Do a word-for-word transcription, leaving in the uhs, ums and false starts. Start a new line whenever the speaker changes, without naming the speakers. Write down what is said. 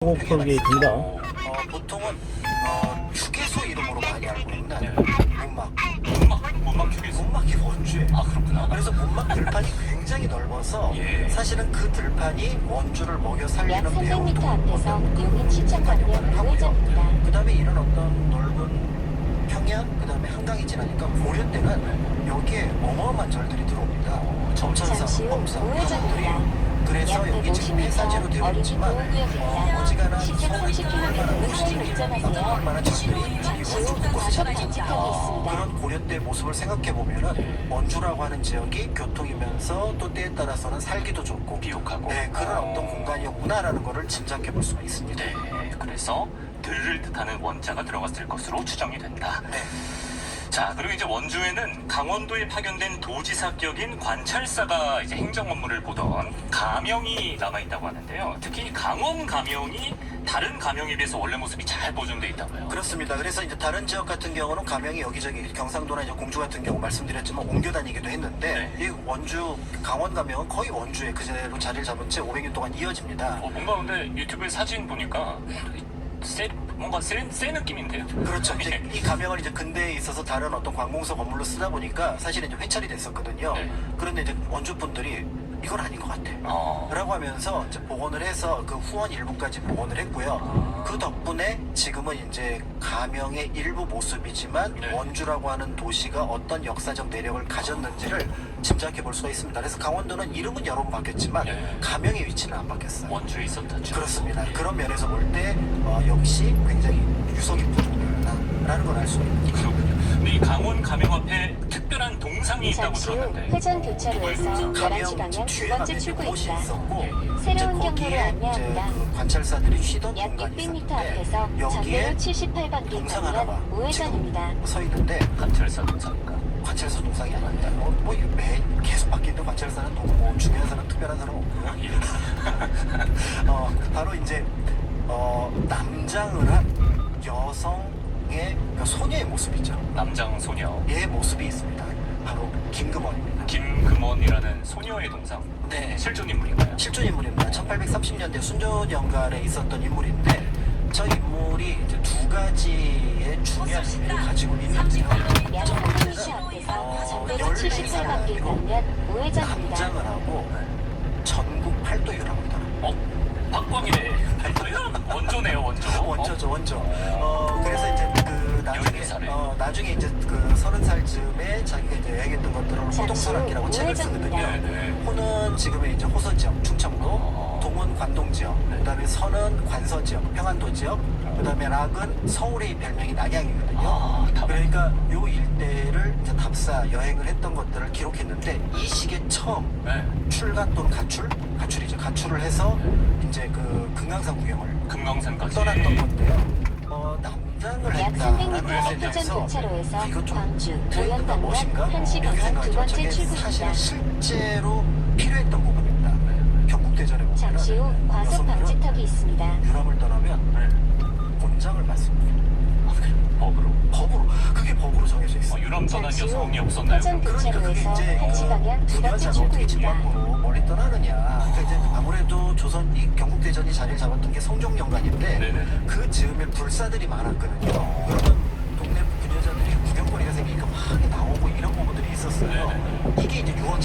호흡하게 된다.
어, 보통은 어, 휴게소 이름으로 많이 알고 있는
네.
문막.
문막, 문막 휴게소.
문막이 원주에.
아, 그렇구나.
그래서 문막 들판이 굉장히 넓어서
예.
사실은 그 들판이 원주를 먹여
약
살리는
삼백
배우
미터 앞에서
어떤
용인 시청방면 우회전입니다.
그 다음에 이런 어떤 넓은 평야, 그 다음에 한강이 지나니까 고려 때는 여기에 어마어마한 절들이 들어옵니다. 점천사,
잠시 후
흑범사,
우회전입니다.
흑범들이. 그래서
약
여기 지금
백오십
폐사지로
미터
되어
어린이
있지만
보호구역입니다.
어, 어지간한
시속
서울
삼십 킬로미터
도시들이
운전하세요.
얼마나 절들이 이
잠시 후
원주 곳곳에
과속
자리
방지턱이
잡고
있습니다.
그런 고려 때 모습을 생각해 보면은 원주라고 하는 지역이 교통이면서 또 때에 따라서는 살기도 좋고
비옥하고.
네, 그런 어떤 공간이었구나라는 거를 짐작해 볼 수가 있습니다.
네, 그래서 들을 뜻하는 원자가 들어갔을 것으로 추정이 된다.
네.
자, 그리고 이제 원주에는 강원도에 파견된 도지사격인 관찰사가 이제 행정 업무를 보던 가명이 남아있다고 하는데요. 특히 강원 가명이 다른 가명에 비해서 원래 모습이 잘 보존돼 있다고요.
그렇습니다. 그래서 이제 다른 지역 같은 경우는 가명이 여기저기 경상도나 이제 공주 같은 경우 말씀드렸지만 옮겨 다니기도 했는데
네.
이 원주 강원 가명은 거의 원주에 그대로 자리를 잡은 채 오백 년 동안 이어집니다.
어, 뭔가 근데 유튜브에 사진 보니까 세, 뭔가 세, 세 느낌인데요.
그렇죠. 이제 이 가명을 이제 근대에 있어서 다른 어떤 관공서 건물로 쓰다 보니까 사실은 이제 회찰이 됐었거든요.
네.
그런데 이제 원주 분들이 이건 아닌 것 같아.
어.
라고 하면서 이제 복원을 해서 그 후원 일부까지 복원을 했고요. 그 덕분에 지금은 이제 가명의 일부 모습이지만
네.
원주라고 하는 도시가 어떤 역사적 내력을 가졌는지를 짐작해 볼 수가 있습니다. 그래서 강원도는 이름은 여러 번 바뀌었지만
네.
가명의 위치는 안 바뀌었어요.
원주에 있었던 죠.
그렇습니다. 그런 면에서 볼 때 어, 역시 굉장히 유서 깊은 동네라는 걸 알 수 있습니다.
그렇군요. 근데 이 강원 가명 앞에 특별한 동상이 있다고
잠시 후
들었는데.
회전 교차로에서 열한 시 방향 두 번째 출구입니다. 새로운 경로로 안내합니다.
그 관찰사들이 쉬던
약
공간이
육백 미터
있었는데
앞에서
여기에
전대로 칠십팔 번 길
동상
방면
하나가
우회전입니다.
지금 서 있는데
관찰사 동상인가?
관찰사 동상이 아닙니다. 어, 뭐 이게 매 계속 바뀌는 관찰사는 또 뭐 중요한 사람, 특별한 사람 없고요.
예.
어, 바로 이제 어, 남장을 한 여성의 그 소녀의 모습이죠.
남장 소녀.
얘의 모습이 있습니다. 바로 김금원입니다.
김금원이라는 소녀의 동상.
네.
실존 인물인가요?
실존 인물입니다. 천팔백삼십 년대 순조연간에 있었던 인물인데 저 인물이 이제 두 가지의 중요한 의미를 가지고 있는데요.
약
첫
삼백 미터
번째는
앞에서
어,
전대로 칠십팔 번 길 방면 우회전입니다.
남장을 하고 전국 팔도유라고 하더라고요.
어? 박광일의 발도요? 원조네요, 원조.
원조죠, 원조. 어, 그래서 이제 그 나중에,
열네 살에.
어, 나중에 이제 그 서른 살쯤에 자기가 이제 여행했던 것들을 호동설악기라고 책을 쓰거든요.
네, 네.
호는 지금의 이제 호서 지역, 충청도,
어.
동은 관동 지역,
네.
그다음에 서는 관서 지역, 평안도 지역, 그다음에 락은 서울의 별명이 낙양이거든요.
아, 답.
그러니까 요 일대를 이제 답사 여행을 했던 것들을 기록했는데 이 시기에 처음
네.
출가 또는 가출, 가출이죠. 가출을 해서 이제 그 금강산 구경을
금강산까지.
떠났던 건데요. 어, 남장을
약
했다라는
삼백 미터
것에
회전
대해서
교차로에서
아, 이거 좀
광주,
트렌드가
도연 방면
멋인가?
한 시
이렇게
방향 두
생각하죠.
번째
저게
출구입니다.
사실 실제로 필요했던 부분입니다. 경국대전에 보면
잠시 후 과속 방지턱이 있습니다.
유람을 떠나면 곤장을 받습니다.
아, 그래요? 법으로.
법으로 그게 법으로 정해져
어,
있어요.
유람 떠난
잠시 후
여성이 없었나요?
회전
그럼?
그러니까 그게
교차로에서
이제
한 시 방향 두 번째
부녀자가 어떻게 집
출구입니다.
밖으로 멀리 떠나느냐. 그러니까 이제 아무래도 조선 이 경국대전이 자리를 잡았던 게 성종연간인데
네네네.
그 즈음에 불사들이 많았거든요. 그러면 동네 부녀자들이 구경거리가 생기니까 막 나오고 이런 부분들이 있었어요.
네네.
이게 이제 유언